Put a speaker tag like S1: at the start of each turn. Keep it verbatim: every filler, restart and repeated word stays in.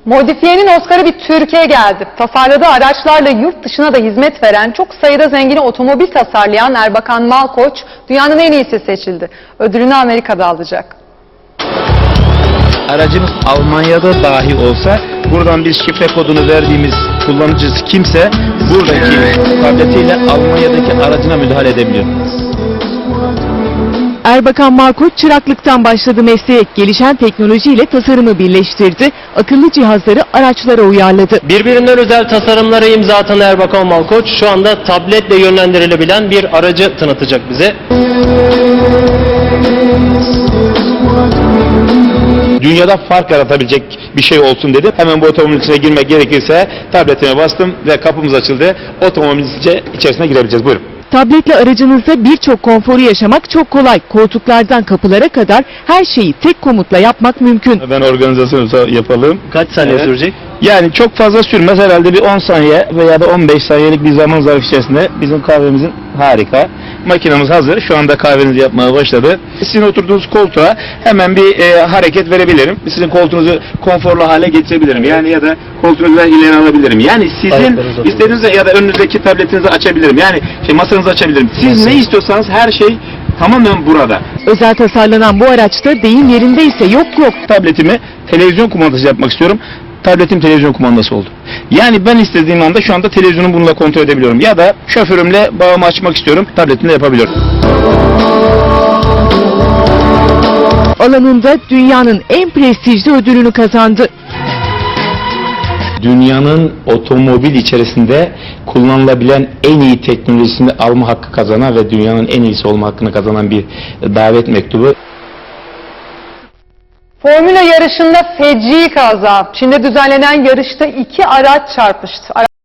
S1: Modifiyenin Oscar'ı bir Türkiye geldi. Tasarladığı araçlarla yurt dışına da hizmet veren, çok sayıda zengini otomobil tasarlayan Erbakan Malkoç, dünyanın en iyisi seçildi. Ödülünü Amerika'da alacak.
S2: Aracımız Almanya'da dahi olsa, buradan biz şifre kodunu verdiğimiz kullanıcısı kimse, buradaki tabletiyle Almanya'daki aracına müdahale edebiliyor.
S3: Erbakan Malkoç çıraklıktan başladı mesleğe, gelişen teknolojiyle tasarımı birleştirdi, akıllı cihazları araçlara uyarladı.
S4: Birbirinden özel tasarımlara imza atan Erbakan Malkoç şu anda tabletle yönlendirilebilen bir aracı tanıtacak bize.
S2: Dünyada fark yaratabilecek bir şey olsun dedi. Hemen bu otomobilin içine girmek gerekirse tabletime bastım ve kapımız açıldı. Otomobilin içerisine girebileceğiz. Buyurun.
S3: Tabletle aracınızda birçok konforu yaşamak çok kolay. Koltuklardan kapılara kadar her şeyi tek komutla yapmak mümkün.
S2: Ben organizasyonu yapalım.
S4: Kaç saniye
S2: Evet.
S4: sürecek?
S2: Yani çok fazla sürmez, herhalde bir on saniye veya da on beş saniyelik bir zaman zarfı içerisinde bizim kahvemizin harika. Makinamız hazır. Şu anda kahvenizi yapmaya başladı. Sizin oturduğunuz koltuğa hemen bir e, hareket verebilirim. Sizin koltuğunuzu konforlu hale getirebilirim. Yani ya da koltuğunuzu ileri alabilirim. Yani sizin istediğiniz ya da önünüzdeki tabletinizi açabilirim. Yani şey, masanızı açabilirim. Siz ne istiyorsanız her şey tamamen burada.
S3: Özel tasarlanan bu araçta deyim yerindeyse yok yok.
S2: Tabletimi televizyon kumandası yapmak istiyorum. Tabletim televizyon kumandası oldu. Yani ben istediğim anda şu anda televizyonu bununla kontrol edebiliyorum. Ya da şoförümle bağımı açmak istiyorum. Tabletimle yapabiliyorum.
S3: Alanında dünyanın en prestijli ödülünü kazandı.
S2: Dünyanın otomobil içerisinde kullanılabilen en iyi teknolojisini alma hakkı kazanan ve dünyanın en iyisi olma hakkını kazanan bir davet mektubu.
S1: Formula yarışında feci kaza. Çin'de düzenlenen yarışta iki araç çarpıştı.